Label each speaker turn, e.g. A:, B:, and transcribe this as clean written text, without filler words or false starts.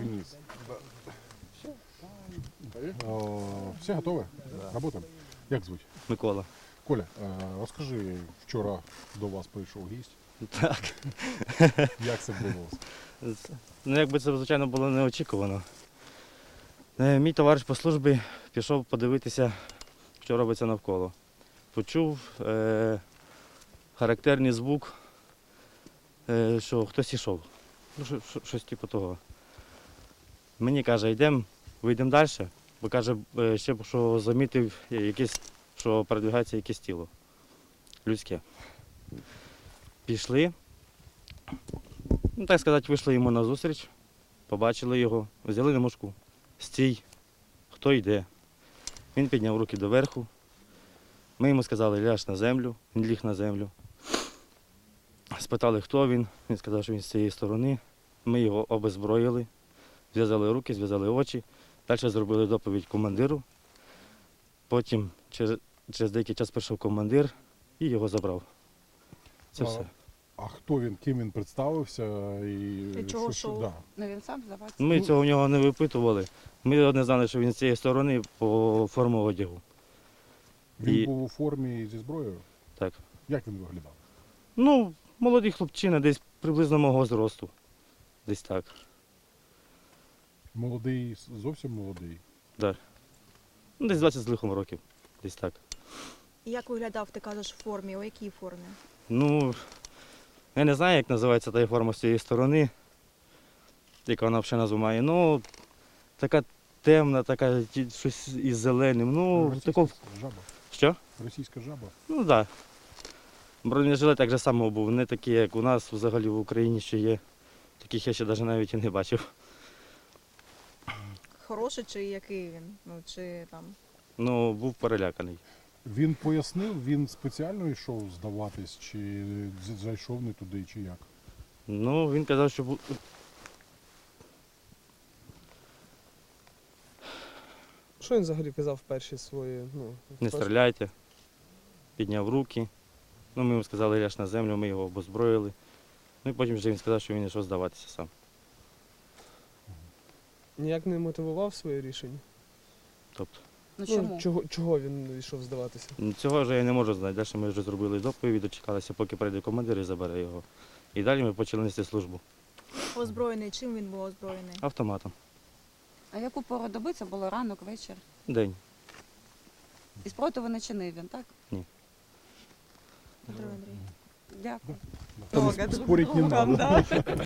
A: вниз. Все готові? Работаємо? Як звуть?
B: Микола.
A: Коля, розкажи, вчора до вас прийшов гість.
B: Так.
A: Як це відбувалося?
B: Ну, якби це, звичайно, було неочікувано. Мій товариш по службі пішов подивитися, що робиться навколо. Почув характерний звук, що хтось ішов. Ну, щось типу того. Мені каже, вийдемо далі, бо каже, ще що замітив якесь, що передвигається якесь тіло людське. Пішли, ну так сказати, вийшли йому назустріч, побачили його, взяли на мушку. Стій, хто йде. Він підняв руки доверху. Ми йому сказали, ляж на землю, він ліг на землю. Спитали, хто він, він сказав, що він з цієї сторони. Ми його обезброїли, зв'язали руки, зв'язали очі. Далі зробили доповідь командиру. Потім через деякий час прийшов командир і його забрав. Це все.
A: А хто він, ким він представився і
C: чого йшов?
A: Да.
C: Ну він сам здавався.
B: Ми цього в нього не випитували. Ми одне знали, що він з цієї сторони по форму одягу.
A: Він був у формі зі зброєю?
B: Так.
A: Як він виглядав?
B: Ну, молодий хлопчина, десь приблизно мого зросту. Десь так.
A: Молодий, зовсім молодий?
B: Так. Ну, десь 20 з лихом років. Десь так.
C: Як виглядав, ти кажеш, в формі? У якій формі?
B: Ну, я не знаю, як називається та форма з цієї сторони, яка вона взагалі назву має. Ну, така темна, така щось із зеленим. Ну,
A: Російська
B: такого...
A: жаба?
B: Що?
A: Російська жаба?
B: Ну, так. Да. Бронежилет так же само був, не такий, як у нас взагалі в Україні ще є. Таких я ще навіть і не бачив.
C: Хороший чи який він? Ну, чи там...
B: Ну, був переляканий.
A: Він пояснив, він спеціально йшов здаватись, чи зайшов не туди, чи як?
B: Ну, він казав, що
D: Що він взагалі казав в перші свої?
B: не стріляйте, підняв руки. Ну, ми йому сказали, ляж на землю, ми його обозброїли. Ну і потім вже він сказав, що він йшов здаватися сам.
D: Ніяк не мотивував своє рішення?
B: Тобто,
C: Ну чому?
D: Чого він йшов здаватися?
B: цього вже я не можу знати. Далі ми вже зробили доповідь, дочекалися, поки прийде командир і забере його. І далі ми почали нести службу
C: Озброєний? Чим він був озброєний?
B: автоматом.
E: А яку пору доби це було ранок, вечір?
B: День.
E: І спротиву не чинив він, так?
C: Петро Андрій.
E: Дякую.
A: Там спорить не надо.